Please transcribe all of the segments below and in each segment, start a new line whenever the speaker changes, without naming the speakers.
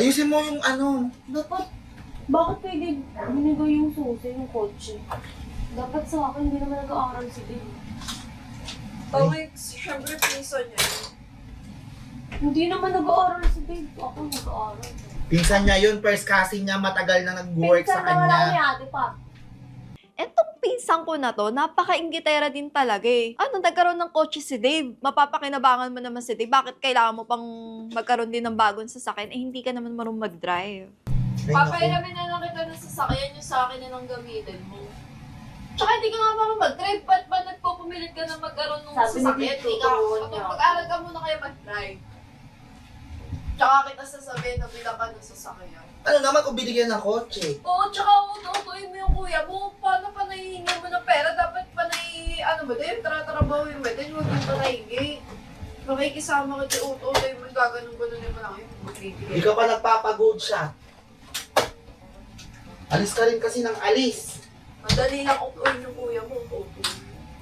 Ayusin mo yung ano.
Dapat, bakit pwede binigay yung susi, yung kotse? Dapat sa akin, hindi naman nag-aaral si Dave.
Tawag, syempre pinsan niya.
Hindi naman nag-aaral si Dave. Ako nag-aaral.
Pinsan niya yun, first cousin niya, matagal na nag-work sa
Pinsan naman ako ni
kanya.
ate pa.
Etong pinsang ko na to, napaka-inggitera din talaga eh. Ano, nagkaroon ng kotse si Dave. Mapapakinabangan mo naman si Dave. Bakit kailangan mo pang magkaroon din ng bagong sasakyan? Eh, hindi ka naman marunong mag-drive.
Ay, naku.
Papairamin na lang kita ng sasakyan yung sa akin na ng gamitin mo. Tsaka hindi ka nga marunong mag-drive. Ba't ba nagpupumilit ka na magkaroon ng
Sabi ni
sasakyan?
Tito,
Hindi ka,
turuan niya.
mag-aral ka muna kayo mag-drive. Tsaka kita sasabihin na bilang ka ng sasakyan.
Ano naman kung binigyan ng kotse?
Oo, tsaka ututuin mo yung kuya mo. Paano pa nahihingi mo ng pera? Dapat pa ano ba din? Tara-tarabahin mo din. Huwag yung pa nahingi. Makikisama ka dyan, ututuin mo. Gaganon-ganon mo lang yun.
Hindi ka pa nagpapagood siya. Alis ka rin kasi ng alis.
Madali lang utuin yung kuya mo. Utuin.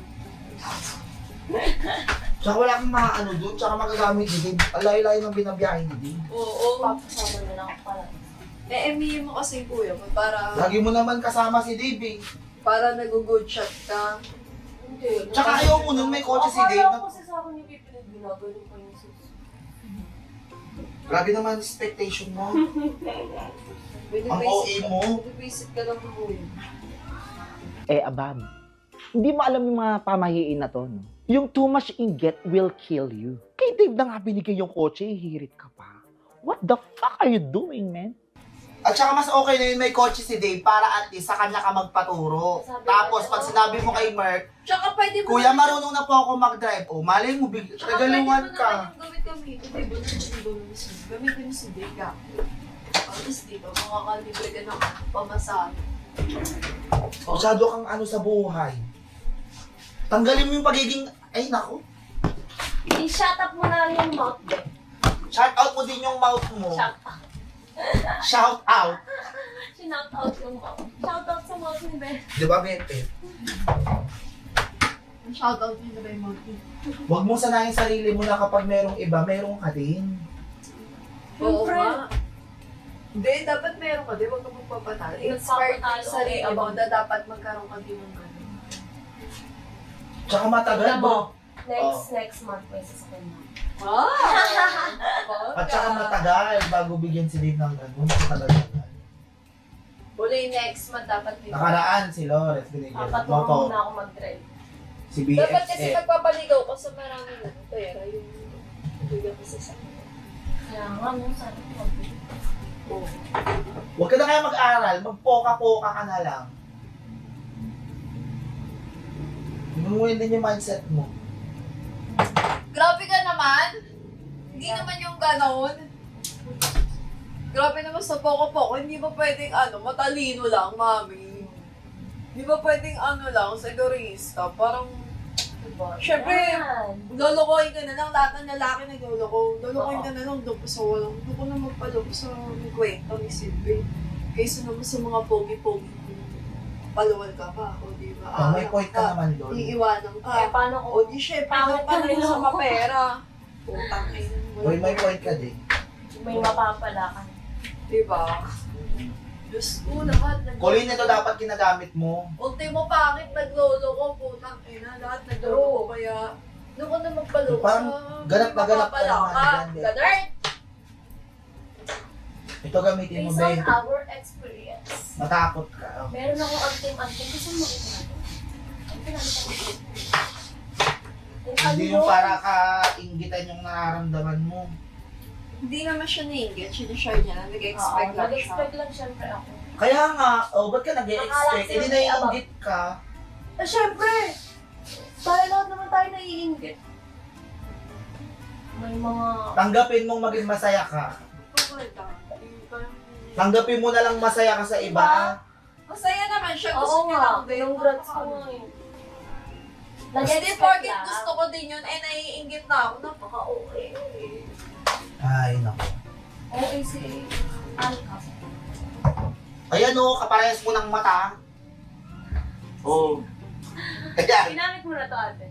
Tsaka wala kang mga ano doon, tsaka magagamit din. Alay-lay ng binabiyahe ni Dave.
Oo.
Papasama na lang ako pala.
E-emihin mo kasi yung kuya mo para
Lagi mo naman kasama si Dave eh.
nag-good shot ka.
Hindi.
Tsaka ayaw mo nun, may kotse si Dave.
Akala ko kasi sa akin yung pipilit ginagano pa yung susi.
Grabe naman expectation mo. Ang OA mo.
Binibisit ka lang ng kuya.
Abab, hindi mo alam yung mga pamahiin na to, no? Yung too much inget will kill you. Kay Dave na nga binigay yung kotse, hirit ka pa. What the fuck are you doing, man?
At saka mas okay na yun may kotse si Dave para at least sa kanya ka magpaturo.
Sabi
Tapos
ko,
pag sinabi mo kay Mark,
Tsaka pwede mo
Kuya,
naman-
marunong na po ako mag-drive. O, malay mo,
Tsaka pwede mo
regaluhan
naman
ka.
yung gamitin. Diba gamitin mo si Dega. At least dito, makakalibre ka ng pamasahe.
Masyado kang ano sa buhay. Tanggalin mo yung pagiging, ay naku.
I-shut up mo na lang yung mouth, Beth.
Shout out mo din yung mouth mo.
Shut up.
Shout out.
Shout out yung mouth. Shout out sa mouth ni Beth.
Di ba, Bete?
Shoutout nyo na ba yung mga
Huwag mong sanayin sarili mo na kapag merong iba, merong ka din.
Oo
Siyempre.
nga. Hindi, dapat meron ka din. Huwag ka magpapatalo. Inspired ka
Magpapatalo,
sa sarili
okay,
mo
abang.
na dapat magkaroon ka din ng gano'n.
Tsaka matagal
Tignan mo.
mo.
Next month may sasakyan na.
Wow!
At saka matagal bago bigyan si Dave ng ganun. Matagal.
Uli next month dapat may
Nakaraan si Lores binigyan.
Papatulong
Moto.
muna ako mag-drive.
Si
Dapat kasi
BFF.
magpapaligaw ka sa maraming pera yung bigyan ko sa sakit.
Kaya nga, nung sana ko mag-drive.
Oo.
Huwag ka na kaya mag-aral. Magpoka-poka ka na lang. Inuwin din yung mindset mo.
Grabe ka naman! Hindi naman yung ganon. Grabe naman sa poko-poko, hindi ba pwedeng matalino lang, mami? Hindi ba pwedeng lang, segurista? Parang,
Diba?
syempre,
Yan.
lolokohin ka na lang, lahat ng lalaki nagloloko. Lolokohin ka na lang, doon sa walang, doon ko na magpaloko sa kwento ni Silvie. Kaysa naman sa mga pogi-pogi, paluwal ka pa, o di ba?
Oh, may point ka naman doon.
Iiwanan ka.
Kaya paano ko?
O di syempre, doon ka na rin sa mapera. Putang ina.
Uy, may point ka din.
May mapapala ka.
Diba? Diyos ko, lahat
Kulin nito dapat ginagamit mo.
Ultimo pangit, naglolo ko, putang ina, lahat naglolo ko, kaya doon ko na magpaloko
Parang ganap na ganap ka
mapapala
naman
ka.
dyan, Beth.
Ganun!
Ito gamitin mo,
Based on
babe.
our experience.
Matakot ka. Oh.
Meron akong anting-anting. Gusto mo ito natin? Ang pinakita ko.
Hindi yung para ka-inggitan yung nararamdaman mo.
Hindi naman siya nainggit, sinishare niya na, nag-expect lang siya.
Nag-expect lang syempre ako.
Kaya nga, ba't ka nag-e-expect?
Akala
Hindi
sila
na
may
iinggit ka.
Eh syempre! Tayo lahat naman tayo naiinggit. May mga...
Tanggapin mong maging masaya ka. Tanggapin mo na lang masaya ka sa iba.
Masaya naman siya,
Oo
gusto niya
nga,
lang din.
congrats ko nga eh.
Hindi
Nag-expect
porket
lang.
gusto ko din yun, naiinggit na ako, napaka-okay.
Ay, naku.
Okay si Alka.
Ayan o, kaparehas mo ng mata. Oo. Ayan.
Ginamit mo na to ate.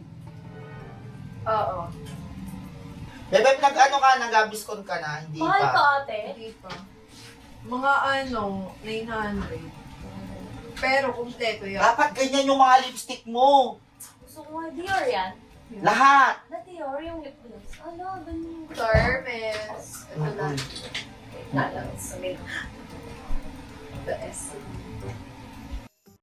Oo.
Bebe, nag-ano ka, nag-abiskon ka na, hindi
Mahal to
pa.
ate.
Hindi pa. Mga 900. Pero kumpleto yan.
Dapat ganyan yung mga lipstick mo.
Gusto ko nga Dior yan.
Lahat.
Na Dior yung lip gloss. Ano, ganyan.
Hermes. Ito na.
Mm-mm.
Wait na lang. Sa may... The S.